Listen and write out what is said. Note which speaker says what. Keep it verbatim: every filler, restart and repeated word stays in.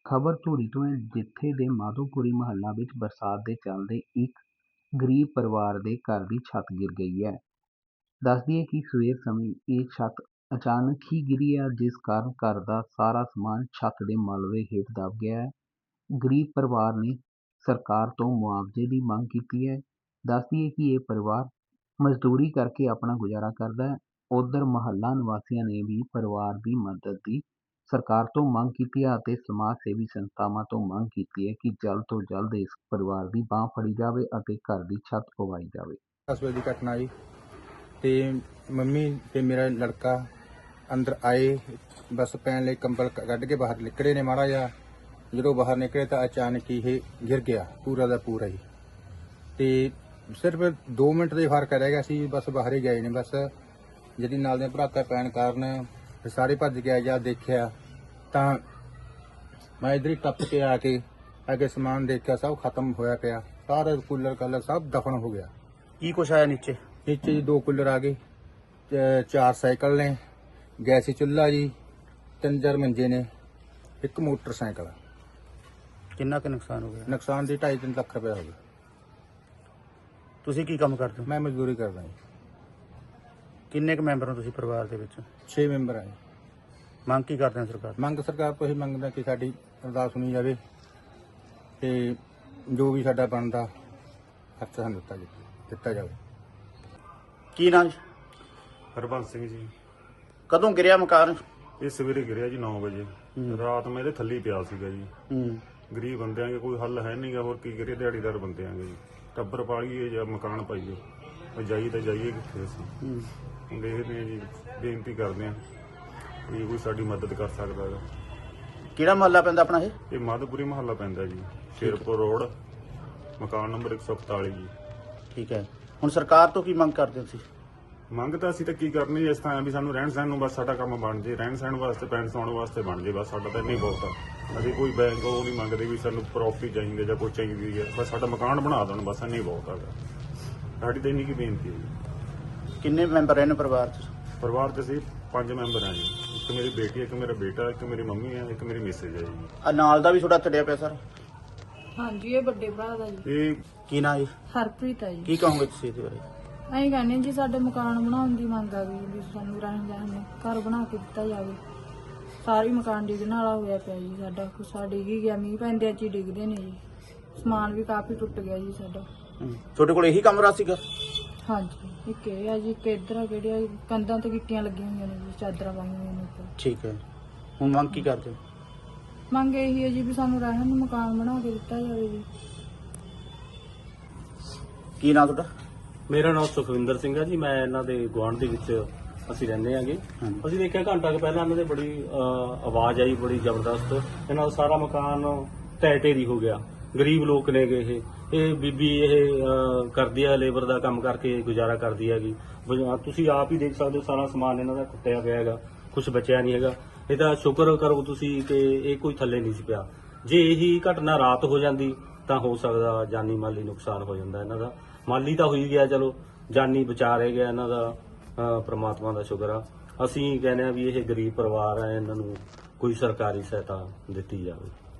Speaker 1: ਖਬਰ ਧੂਰੀ ਤੋਂ ਹੈ, ਜਿੱਥੇ ਦੇ ਮਾਧੋਪੁਰੀ ਮੁਹੱਲਾ ਵਿੱਚ ਬਰਸਾਤ ਦੇ ਚੱਲਦੇ ਇੱਕ ਗਰੀਬ ਪਰਿਵਾਰ ਦੇ ਘਰ ਦੀ ਛੱਤ ਗਿਰ ਗਈ ਹੈ। ਦੱਸ ਦਈਏ ਕਿ ਸਵੇਰ ਸਮੇਂ ਇਹ ਛੱਤ ਅਚਾਨਕ ਹੀ ਗਿਰੀ ਹੈ, ਜਿਸ ਕਾਰਨ ਘਰ ਦਾ ਸਾਰਾ ਸਮਾਨ ਛੱਤ ਦੇ ਮਲਬੇ ਹੇਠ ਦਬ ਗਿਆ ਹੈ। ਗਰੀਬ ਪਰਿਵਾਰ ਨੇ ਸਰਕਾਰ ਤੋਂ ਮੁਆਵਜ਼ੇ ਦੀ ਮੰਗ ਕੀਤੀ ਹੈ। ਦੱਸ ਦਈਏ ਕਿ ਇਹ ਪਰਿਵਾਰ ਮਜ਼ਦੂਰੀ ਕਰਕੇ ਆਪਣਾ ਗੁਜ਼ਾਰਾ ਕਰਦਾ ਹੈ। ਉਧਰ ਮੁਹੱਲਾ ਨਿਵਾਸੀਆਂ ਨੇ ਵੀ ਪਰਿਵਾਰ ਦੀ ਮਦਦ ਦੀ ਸਰਕਾਰ ਤੋਂ ਮੰਗ ਕੀਤੀ ਹੈ ਅਤੇ ਸਮਾਜ ਸੇਵੀ ਸੰਸਥਾਵਾਂ ਤੋਂ ਮੰਗ ਕੀਤੀ ਹੈ ਕਿ ਜਲਦ ਤੋਂ ਜਲਦ ਇਸ ਪਰਿਵਾਰ ਦੀ ਬਾਂਹ ਫੜੀ ਜਾਵੇ ਅਤੇ ਘਰ ਦੀ ਛੱਤ ਪਵਾਈ ਜਾਵੇ।
Speaker 2: दस बजे की घटना जी। तो मम्मी ते मेरा लड़का अंदर आए, बस पैन ले कंबल कढ़ के बाहर निकले ने माड़ा जा। जो बाहर निकले तो अचानक ही ये गिर गया पूरा का पूरा ही। तो सिर्फ दो मिनट का फर्क रह गया सी, बस बाहर ही गए ने। बस जी नाल दे भराका पैन कारण सारे भज गया जा देखा तो मैं इधर ही टप के आके आगे समान देखा, सब खत्म होया पिया, सारा कूलर कलर सब दफन हो गया।
Speaker 3: की कुछ आया नीचे?
Speaker 2: नीचे जी दो कूलर आ गए, चार साइकिल ने, गैसी चुल्हा जी, तीन चार मंजे ने, एक मोटरसाइकिल।
Speaker 3: कितना का नुकसान हो गया?
Speaker 2: नुकसान जी ढाई तीन लाख रुपया हो गया।
Speaker 3: ਤੁਸੀਂ ਕੀ ਕੰਮ ਕਰਦੇ ਹੋ?
Speaker 2: मैं मजदूरी करदा जी।
Speaker 3: ਕਿੰਨੇ ਕੁ ਮੈਂਬਰ ਹੋ ਤੁਸੀਂ ਪਰਿਵਾਰ ਦੇ ਵਿੱਚ?
Speaker 2: छे मैंबर हैं।
Speaker 3: ਮੰਗ ਕੀ ਕਰਦੇ ਹੋ ਸਰਕਾਰ?
Speaker 2: ਮੰਗ ਸਰਕਾਰ ਤੋਂ ਹੀ ਮੰਗਦਾ ਕਿ ਸਾਡੀ ਅਰਦਾਸ ਸੁਣੀ ਜਾਵੇ ਤੇ ਜੋ ਵੀ ਸਾਡਾ ਬਣਦਾ ਖਰਚਾ ਸਾਨੂੰ ਦਿੱਤਾ ਜਾਵੇ ਦਿੱਤਾ ਜਾਵੇ।
Speaker 3: ਕੀ ਨਾਮ?
Speaker 4: ਹਰਬੰਸ ਸਿੰਘ ਜੀ।
Speaker 3: ਕਦੋਂ ਗਿਰਿਆ ਮਕਾਨ?
Speaker 4: ਇਹ ਸਵੇਰੇ ਗਿਰਿਆ ਜੀ ਨੌ ਵਜੇ। ਰਾਤ ਮੈਂ ਇਹਦੇ ਥੱਲੇ ਹੀ ਪਿਆ ਸੀਗਾ ਜੀ।
Speaker 3: ਹੂੰ।
Speaker 4: ਗਰੀਬ ਬੰਦਿਆਂ ਦੇ ਕੋਈ ਹੱਲ ਹੈ ਨਹੀਂਗਾ, ਹੋਰ ਕੀ ਕਰੀਏ, ਦਿਹਾੜੀਦਾਰ ਬੰਦਿਆਂ ਦੇ ਜੀ। ਟੱਬਰ ਪਾਲੀਏ ਜਾਂ ਮਕਾਨ ਪਾਈਏ, ਉਹ ਜਾਈ ਤਾਂ ਜਾਈਏ ਕਿੱਥੇ ਅਸੀਂ।
Speaker 3: ਹੂੰ।
Speaker 4: ਹੁਣ ਦੇਖਦੇ ਹਾਂ ਜੀ, ਬੇਨਤੀ ਕਰਦੇ ਹਾਂ ਵੀ ਕੋਈ ਸਾਡੀ ਮਦਦ ਕਰ ਸਕਦਾ ਹੈਗਾ।
Speaker 3: ਕਿਹੜਾ ਮੁਹੱਲਾ ਪੈਂਦਾ ਆਪਣਾ ਇਹ?
Speaker 4: ਇਹ ਮਾਧੋਪੁਰੀ ਮੁਹੱਲਾ ਪੈਂਦਾ ਜੀ, ਸ਼ੇਰਪੁਰ ਰੋਡ, ਮਕਾਨ ਨੰਬਰ ਇੱਕ ਸੌ ਇਕਤਾਲੀ ਜੀ।
Speaker 3: ਠੀਕ ਹੈ। ਹੁਣ ਸਰਕਾਰ ਤੋਂ ਕੀ ਮੰਗ ਕਰਦੇ ਹੋ ਤੁਸੀਂ?
Speaker 4: ਮੰਗ ਤਾਂ ਅਸੀਂ ਤਾਂ ਕੀ ਕਰਨੀ, ਇਸ ਤਰ੍ਹਾਂ ਵੀ ਸਾਨੂੰ ਰਹਿਣ ਸਹਿਣ ਨੂੰ ਬਸ ਸਾਡਾ ਕੰਮ ਬਣ ਜੇ, ਰਹਿਣ ਸਹਿਣ ਵਾਸਤੇ ਪੈਣ ਸੌਣ ਵਾਸਤੇ ਬਣ ਜੇ, ਬਸ ਸਾਡਾ ਤਾਂ ਇੰਨੀ ਬਹੁਤ ਆ। ਅਸੀਂ ਕੋਈ ਬੈਂਕ ਉਹ ਨਹੀਂ ਮੰਗਦੇ ਵੀ ਸਾਨੂੰ ਪ੍ਰੋਪਰਟੀ ਚਾਹੀਦੀ ਜਾਂ ਕੋਈ ਚਾਹੀਦੀ ਹੈ, ਬਸ ਸਾਡਾ ਮਕਾਨ ਬਣਾ ਦੇਣ, ਬਸ ਇੰਨੀ ਬਹੁਤ ਹੈਗਾ। ਸਾਡੀ ਤਾਂ ਇੰਨੀ ਕੀ ਬੇਨਤੀ ਹੈ ਜੀ।
Speaker 3: ਕਿੰਨੇ ਮੈਂਬਰ ਰਹਿੰਦੇ ਪਰਿਵਾਰ 'ਚ?
Speaker 4: ਪਰਿਵਾਰ 'ਚ ਅਸੀਂ ਪੰਜ ਮੈਂਬਰ ਹਾਂ ਜੀ। ਇੱਕ ਮੇਰੀ ਬੇਟੀ, ਇੱਕ ਮੇਰਾ ਬੇਟਾ, ਇੱਕ ਮੇਰੀ ਮੰਮੀ ਹੈ, ਇੱਕ ਮੇਰੀ ਮਿਸੇਜ ਹੈ ਜੀ।
Speaker 3: ਆ ਨਾਲ ਦਾ ਵੀ ਤੁਹਾਡਾ ਛੱਡਿਆ ਪਿਆ ਸਰ?
Speaker 5: ਹਾਂਜੀ, ਇਹ ਵੱਡੇ ਭਰਾ ਦਾ ਜੀ।
Speaker 4: ਇਹ
Speaker 3: ਕੀ ਨਾਂ ਜੀ?
Speaker 5: ਹਰਪ੍ਰੀਤ ਹੈ ਜੀ।
Speaker 3: ਕੀ ਕਹੋਗੇ ਤੁਸੀਂ ਇਹਦੇ ਬਾਰੇ?
Speaker 5: ਅਸੀਂ ਕਹਿੰਦੇ ਜੀ ਸਾਡੇ ਮਕਾਨ ਬਣਾਉਣ ਦੀ ਮੰਗ ਆ ਗਈ ਵੀ ਸਾਨੂੰ ਰਹਿਣ ਜਾਣ ਨੂੰ ਘਰ ਬਣਾ ਕੇ ਦਿੱਤਾ ਜਾਵੇ। ਸਾਰੀ ਮਕਾਨ ਡਿੱਗਣ ਵਾਲਾ ਹੋਇਆ ਪਿਆ ਜੀ, ਸਾਡਾ ਕੁਛ ਡਿੱਗ ਹੀ ਗਿਆ, ਮੀਂਹ ਪੈਂਦੇ ਚ ਹੀ ਡਿੱਗਦੇ ਨੇ ਜੀ। ਸਮਾਨ ਵੀ ਕਾਫੀ ਟੁੱਟ ਗਿਆ ਜੀ ਸਾਡਾ।
Speaker 3: ਤੁਹਾਡੇ ਕੋਲ ਇਹੀ ਕਮਰਾ ਸੀਗਾ?
Speaker 5: ਹਾਂਜੀ, ਇੱਕ ਇਹ ਆ ਜੀ, ਇੱਕ ਇੱਧਰ ਆ, ਕਿਹੜੀਆਂ ਕੰਧਾਂ ਤੇ ਗਿੱਟੀਆਂ ਲੱਗੀਆਂ ਹੋਈਆਂ ਨੇ ਜੀ, ਚਾਦਰਾਂ ਪਾਈਆਂ ਹੋਈਆਂ ਨੇ ਉੱਪਰ।
Speaker 3: ਠੀਕ ਹੈ। ਹੁਣ ਮੰਗ ਕੀ ਕਰਦੇ ਹੋ?
Speaker 5: ਮੰਗ ਇਹੀ ਹੈ ਜੀ ਵੀ ਸਾਨੂੰ ਰਹਿਣ ਨੂੰ ਮਕਾਨ ਬਣਾ ਕੇ ਦਿੱਤਾ ਜਾਵੇ ਜੀ।
Speaker 3: ਕੀ ਨਾਂ ਤੁਹਾਡਾ?
Speaker 6: ਮੇਰਾ ਨਾਮ ਸੁਖਵਿੰਦਰ ਸਿੰਘ ਹੈ ਜੀ। ਮੈਂ ਇਹਨਾਂ ਦੇ ਗੁਆਂਢ ਦੇ ਵਿੱਚ ਅਸੀਂ ਰਹਿੰਦੇ ਆਂਗੇ। ਅਸੀਂ ਦੇਖਿਆ ਘੰਟਾ ਕੁ ਪਹਿਲਾਂ ਇਹਨਾਂ ਦੇ ਬੜੀ ਅਹ, ਆਵਾਜ਼ ਆਈ ਬੜੀ ਜ਼ਬਰਦਸਤ। ਇਹਨਾਂ ਦਾ ਸਾਰਾ ਮਕਾਨ ਢਹਿ ਢੇਰੀ ਹੋ ਗਿਆ। ਗਰੀਬ ਲੋਕ ਨੇਗੇ ਇਹ ਇਹ ਬੀਬੀ ਇਹ ਅਹ, ਕਰਦੀ ਆ, ਲੇਬਰ ਦਾ ਕੰਮ ਕਰਕੇ ਗੁਜ਼ਾਰਾ ਕਰਦੀ ਹੈਗੀ। ਬ- ਤੁਸੀਂ ਆਪ ਹੀ ਦੇਖ ਸਕਦੇ ਹੋ, ਸਾਰਾ ਸਮਾਨ ਇਹਨਾਂ ਦਾ ਟੁੱਟਿਆ ਪਿਆ ਹੈਗਾ, ਕੁਝ ਬਚਿਆ ਨਹੀਂ ਹੈਗਾ। ਇਹ ਤਾਂ ਸ਼ੁਕਰ ਕਰੋ ਤੁਸੀਂ ਕਿ ਇਹ ਕੋਈ ਥੱਲੇ ਨਹੀਂ ਸੀ ਪਿਆ। ਜੇ ਇਹੀ ਘਟਨਾ ਰਾਤ ਹੋ ਜਾਂਦੀ ਤਾਂ ਹੋ ਸਕਦਾ ਜਾਨੀ ਮਾਲੀ ਨੁਕਸਾਨ ਹੋ ਜਾਂਦਾ ਇਹਨਾਂ ਦਾ। ਮਾਲੀ ਤਾਂ ਹੋਈ ਗਿਆ, ਚਲੋ ਜਾਨੀ ਬਚਾ ਰਹਿ ਗਿਆ ਇਹਨਾਂ ਦਾ। ਅਹ ਪ੍ਰਮਾਤਮਾ ਦਾ ਸ਼ੁਕਰ ਆ। ਅਸੀਂ ਕਹਿੰਦੇ ਆ ਵੀ ਇਹ ਗਰੀਬ ਪਰਿਵਾਰ ਹੈ, ਇਹਨਾਂ ਨੂੰ ਕੋਈ ਸਰਕਾਰੀ ਸਹਾਇਤਾ ਦਿੱਤੀ ਜਾਵੇ।